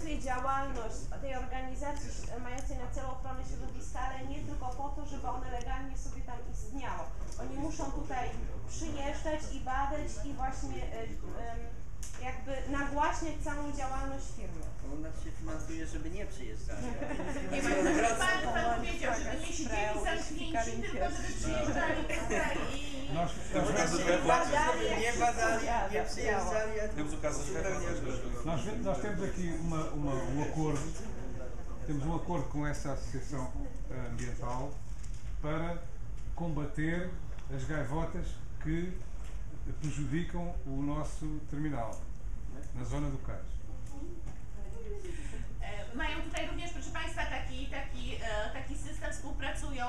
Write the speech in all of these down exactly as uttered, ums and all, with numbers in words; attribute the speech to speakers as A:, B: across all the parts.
A: finansuje działalność tej organizacji mającej na celu ochronę środowiska, ale nie tylko po to, żeby one legalnie sobie tam istniało. Oni muszą tutaj przyjeżdżać i badać i właśnie jakby nagłaśniać całą działalność firmy.
B: U nas się finansuje, żeby nie przyjeżdżali.
C: Nie ma, pan, pan powiedział, żeby nie siedzieli zamknięci, tylko żeby przyjeżdżali i...
B: Żeby nie badali, nie przyjeżdżali.
D: Nós, nós temos aqui uma, uma, um acordo, temos um acordo com essa associação ambiental para combater as gaivotas que prejudicam o nosso terminal na zona do Cais.
C: Mają tutaj również, proszę Państwa, taki, taki, taki system, współpracują,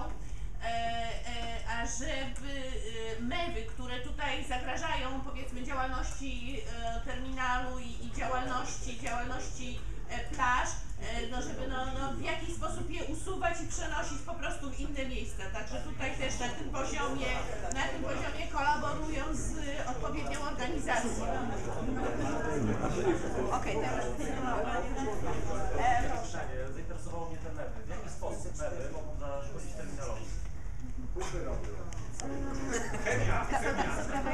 C: ażeby mewy, które tutaj zagrażają, powiedzmy, działalności terminalu i, i działalności, działalności plaż, no żeby no, no w jakiś sposób je usuwać i przenosić po prostu w inne miejsca. Także tutaj też na tym poziomie, na tym poziomie kolaborują z odpowiednią organizacją.
A: Okej, okay, teraz
E: e, proszę. Zainteresowało mnie te mewy. W jaki sposób mewy mogą zaszkodzić terminalowi?
C: Chemia, chemia.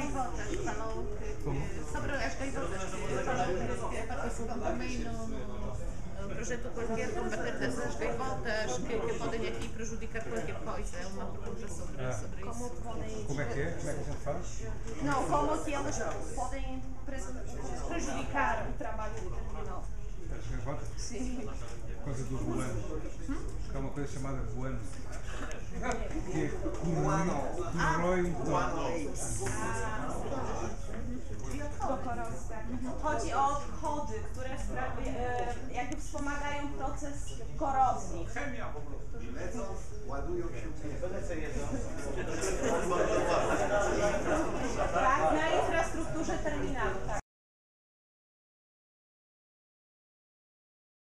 C: Sobre as gaivotas que participam também no projeto qualquer combater dessas gaivotas que, que podem aqui prejudicar qualquer coisa. É uma pergunta sobre, sobre isso.
D: Como é que é? Como é que a gente faz?
A: Não, como que elas podem prejudicar o trabalho do terminal.
D: As gaivotas?
A: Sim.
D: Por causa do guano. Há uma coisa chamada guano. Que é corrói um pouco.
A: Chodzi o odchody, które e, jakby wspomagają proces korozji.
E: Chemia po prostu. Lecą, ładują się. Lecę jedzą.